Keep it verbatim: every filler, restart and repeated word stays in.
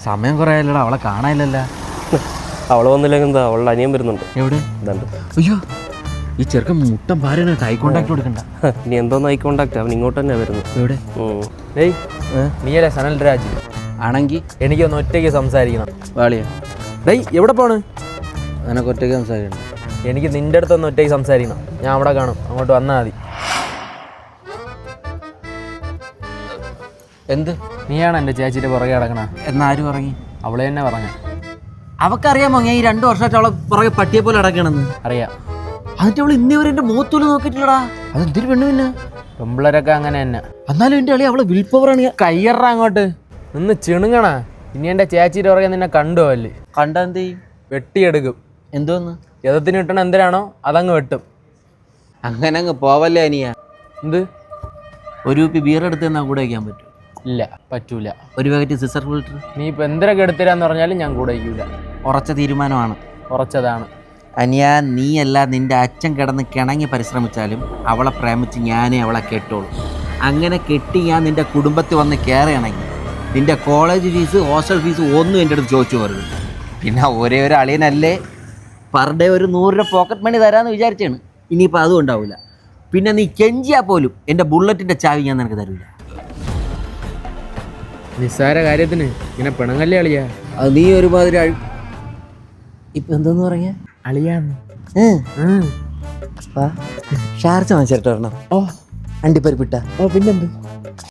സമയം കുറേ ആയല്ലോടാ, അവളെ കാണാനില്ലല്ലോ. അവള് വന്നില്ലെങ്കിൽ എന്താ, അവളുടെ അനിയൻ വരുന്നുണ്ട്. എവിടെ? അയ്യോ, ഈ ചെറുക്കൻ മുട്ടം ഭാര്യനായിട്ട് ഐ കോണ്ടാക്ട് കൊടുക്കണ്ട. ഇനി എന്തോന്ന് ഐ കോണ്ടാക്ട്, അവൻ ഇങ്ങോട്ട് തന്നെ വരുന്നു. എവിടെ? ഡേയ്, നീയല്ലേ സനൽ രാജ്? ആണെങ്കിൽ എനിക്കൊന്ന് ഒറ്റയ്ക്ക് സംസാരിക്കണം. വാളിയാ. ഡേയ്, എവിടെ പോണ്? നിനക്ക് ഒറ്റയ്ക്ക് സംസാരിക്കണം. എനിക്ക് നിൻ്റെ അടുത്തൊന്ന് ഒറ്റയ്ക്ക് സംസാരിക്കണം. ഞാൻ അവിടെ കാണും, അങ്ങോട്ട് വന്നാൽ മതി. എന്ത്? നീയാണ് എൻ്റെ ചേച്ചിയുടെ പുറകെ കിടക്കണ. എന്നാരും ഇറങ്ങി? അവളെ തന്നെ പറഞ്ഞ. അവക്കറിയാമോ ഞാൻ ഈ രണ്ടു വർഷമായിട്ട് അവളെ പുറകെ പട്ടിയെ പോലെ അടക്കണമെന്ന്? അറിയാം. എന്നിട്ട് അവൾ ഇന്നേ വരെ എൻ്റെ മുഖത്തോല് നോക്കിയിട്ടില്ലടാ. അതെന്തൊരു പെണ്ണു പിന്നെ. പെമ്പിളരൊക്കെ അങ്ങനെ തന്നെ. എന്നാലും എൻ്റെ അളി അവളെ വിൽ പവറാണ്. കയ്യറ അങ്ങോട്ട് നിന്ന് ചിണുങ്ങണ. ഇനി എൻ്റെ ചേച്ചിയുടെ പുറകെ നിന്നെ കണ്ടു അല്ലേ? കണ്ടാ എന്ത് ചെയ്യും? വെട്ടിയെടുക്കും. എന്തോന്ന്? യഥത്തിന് കിട്ടണ എന്തിനാണോ അതങ്ങ് വെട്ടും. അങ്ങനെ അങ്ങ് പോവല്ലേ അനിയ. എന്ത്? ഒരു കുപ്പി ബിയർ എടുത്ത് തന്നാൽ കൂടെ വയ്ക്കാൻ പറ്റും? ഇല്ല, പറ്റൂല. ഒരു പാക്കറ്റ് സിസർ ഫിൽറ്റർ? നീ ഇപ്പം എന്തൊക്കെ എടുത്തരാന്ന് പറഞ്ഞാലും ഞാൻ കൂടെ വയ്ക്കൂല. ഉറച്ച തീരുമാനമാണ്. ഉറച്ചതാണ്. അനിയ, നീയല്ല നിൻ്റെ അച്ഛൻ കിടന്ന് കിണങ്ങി പരിശ്രമിച്ചാലും അവളെ പ്രേമിച്ച് ഞാനേ അവളെ കെട്ടുള്ളൂ. അങ്ങനെ കെട്ടി ഞാൻ നിൻ്റെ കുടുംബത്തിൽ വന്ന് കയറുകയാണെങ്കിൽ നിൻ്റെ കോളേജ് ഫീസ്, ഹോസ്റ്റൽ ഫീസ് ഒന്നും എൻ്റെ അടുത്ത് ചോദിച്ചു പോരുത്. പിന്നെ ഒരേ ഒരു അളിയനല്ലേ, പെർ ഡേ ഒരു നൂറ് രൂപ പോക്കറ്റ് മണി തരാമെന്ന് വിചാരിച്ചാണ്. ഇനിയിപ്പോൾ അതും ഉണ്ടാവില്ല. പിന്നെ നീ കെഞ്ചിയാൽ പോലും എൻ്റെ ബുള്ളറ്റിൻ്റെ ചാവി ഞാൻ നിനക്ക് തരില്ല. നിസ്സാര കാര്യത്തിന് ഇങ്ങനെ പിണങ്ങല്ലേ അളിയാ? അത് നീ ഒരുമാതിരി അഴി ഇപ്പം എന്തോന്ന് പറഞ്ഞ അളിയാന്ന്. ഷാർജ വാങ്ങിച്ചിട്ട് വരണം. ഓ, അണ്ടിപ്പരിപ്പിട്ട. ഓ, പിന്നെന്ത്?